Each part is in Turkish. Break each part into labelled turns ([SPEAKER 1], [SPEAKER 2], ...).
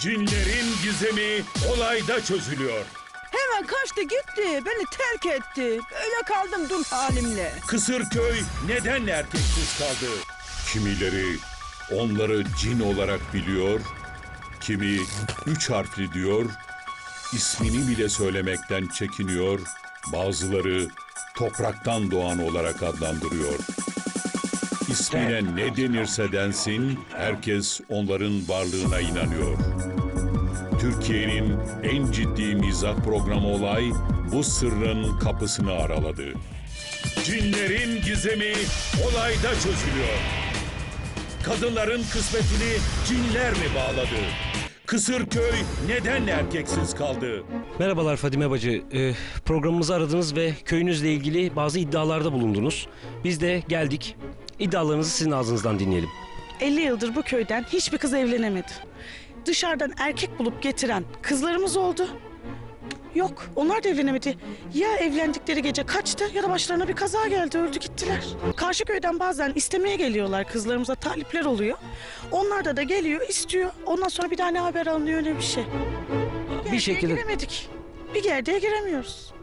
[SPEAKER 1] Cinlerin gizemi olayda çözülüyor.
[SPEAKER 2] Hemen kaçtı gitti. Beni terk etti. Öyle kaldım dul halimle.
[SPEAKER 1] Kısırköy neden erkeksiz kaldı? Kimileri onları cin olarak biliyor, kimi 3 harfli diyor, ismini bile söylemekten çekiniyor, bazıları topraktan doğan olarak adlandırıyor. İsmine ne denirse densin, herkes onların varlığına inanıyor. Türkiye'nin en ciddi mizah programı Olay, bu sırrın kapısını araladı. Cinlerin gizemi olayda çözülüyor. Kadınların kısmetini cinler mi bağladı? Kısırköy neden erkeksiz kaldı?
[SPEAKER 3] Merhabalar Fadime Bacı. Programımızı aradınız ve köyünüzle ilgili bazı iddialarda bulundunuz. Biz de geldik. İddialarınızı sizin ağzınızdan dinleyelim.
[SPEAKER 4] 50 yıldır bu köyden hiçbir kız evlenemedi. Dışarıdan erkek bulup getiren kızlarımız oldu. Yok, onlar da evlenemedi. Ya evlendikleri gece kaçtı ya da başlarına bir kaza geldi, öldü gittiler. Karşı köyden bazen istemeye geliyorlar, kızlarımıza talipler oluyor. Onlar da geliyor, istiyor. Ondan sonra bir daha ne haber alınıyor, öyle bir şey.
[SPEAKER 3] Bir şekilde
[SPEAKER 4] giremedik. Bir gerdeğe giremiyoruz.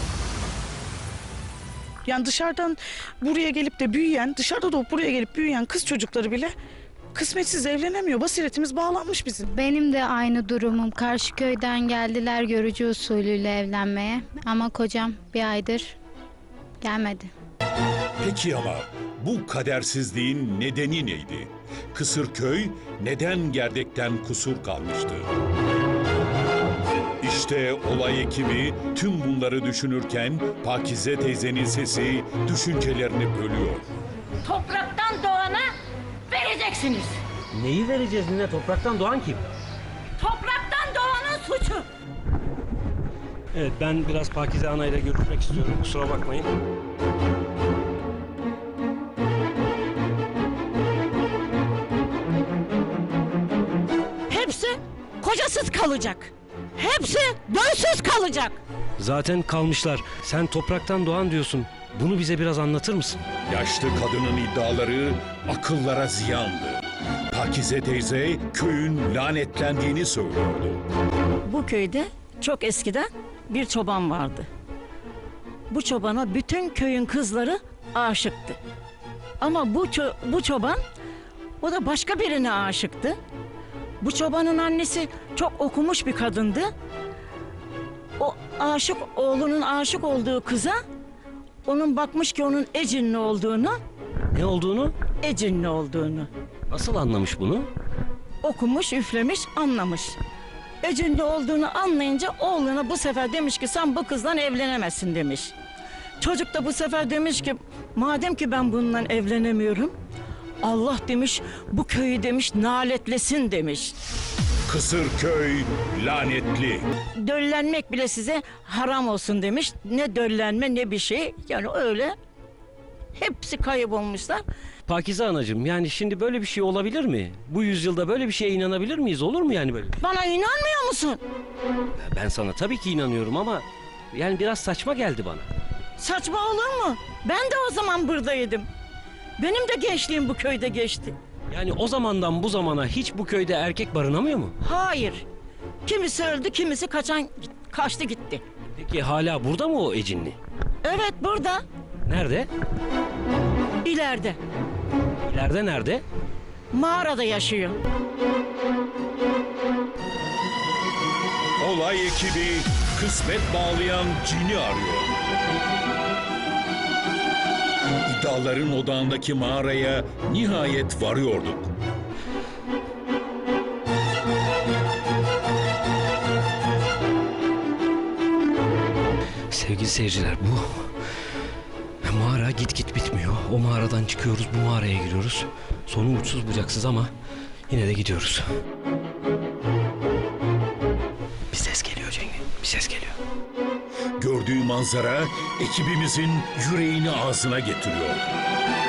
[SPEAKER 4] Yani dışarıdan buraya gelip de büyüyen, dışarıda doğup buraya gelip büyüyen kız çocukları bile kısmetsiz evlenemiyor. Basiretimiz bağlanmış bizim.
[SPEAKER 5] Benim de aynı durumum. Karşı köyden geldiler görücü usulüyle evlenmeye. Ama kocam bir aydır gelmedi.
[SPEAKER 1] Peki ama bu kadersizliğin nedeni neydi? Kısırköy neden gerdekten kusur kalmıştı? İşte olay ekibi tüm bunları düşünürken Pakize teyzenin sesi düşüncelerini bölüyor.
[SPEAKER 6] Topraktan doğana vereceksiniz.
[SPEAKER 3] neyi vereceğiz nine? Topraktan doğan kim?
[SPEAKER 6] Topraktan doğanın suçu.
[SPEAKER 3] Evet, ben biraz Pakize Ana ile görüşmek istiyorum. Kusura bakmayın.
[SPEAKER 6] Hepsi kocasız kalacak. Hepsi dönsüz kalacak.
[SPEAKER 3] Zaten kalmışlar. Sen topraktan doğan diyorsun. Bunu bize biraz anlatır mısın?
[SPEAKER 1] Yaşlı kadının iddiaları akıllara ziyandı. Pakize teyze köyün lanetlendiğini söylüyordu.
[SPEAKER 7] Bu köyde çok eskiden bir çoban vardı. Bu çobana bütün köyün kızları aşıktı. Ama bu çoban, o da başka birine aşıktı. Bu çobanın annesi çok okumuş bir kadındı. O oğlunun aşık olduğu kıza, onun bakmış ki onun ecinli olduğunu,
[SPEAKER 3] Ne olduğunu?
[SPEAKER 7] ecinli olduğunu.
[SPEAKER 3] Nasıl anlamış bunu?
[SPEAKER 7] Okumuş, üflemiş, anlamış. Ecinli olduğunu anlayınca oğluna bu sefer demiş ki sen bu kızla evlenemezsin demiş. Çocuk da bu sefer demiş ki madem ki ben bununla evlenemiyorum, Allah demiş bu köyü demiş naletlesin demiş.
[SPEAKER 1] Kısırköy lanetli.
[SPEAKER 7] Döllenmek bile size haram olsun demiş. Ne döllenme ne bir şey, yani öyle hepsi kaybolmuşlar.
[SPEAKER 3] Pakize Anacığım, yani şimdi böyle bir şey olabilir mi? Bu yüzyılda böyle bir şeye inanabilir miyiz? Olur mu yani böyle?
[SPEAKER 7] Bana inanmıyor musun?
[SPEAKER 3] Ben sana tabii ki inanıyorum ama yani biraz saçma geldi bana.
[SPEAKER 7] Saçma olur mu? Ben de o zaman buradaydım. Benim de gençliğim bu köyde geçti.
[SPEAKER 3] Yani o zamandan bu zamana hiç bu köyde erkek barınamıyor mu?
[SPEAKER 7] Hayır. Kimisi öldü, kimisi kaçtı gitti.
[SPEAKER 3] Peki hala burada mı o ecinli?
[SPEAKER 7] Evet, burada.
[SPEAKER 3] Nerede?
[SPEAKER 7] İleride.
[SPEAKER 3] İleride nerede?
[SPEAKER 7] Mağarada yaşıyor.
[SPEAKER 1] Olay ekibi kısmet bağlayan cini arıyor. İddiaların odağındaki mağaraya nihayet varıyorduk.
[SPEAKER 3] Sevgili seyirciler, bu mağara git bitmiyor. O mağaradan çıkıyoruz, bu mağaraya giriyoruz. Sonu uçsuz bucaksız ama yine de gidiyoruz. Bir ses geliyor Cengiz, bir ses geliyor.
[SPEAKER 1] Gördüğü manzara ekibimizin yüreğini ağzına getiriyor.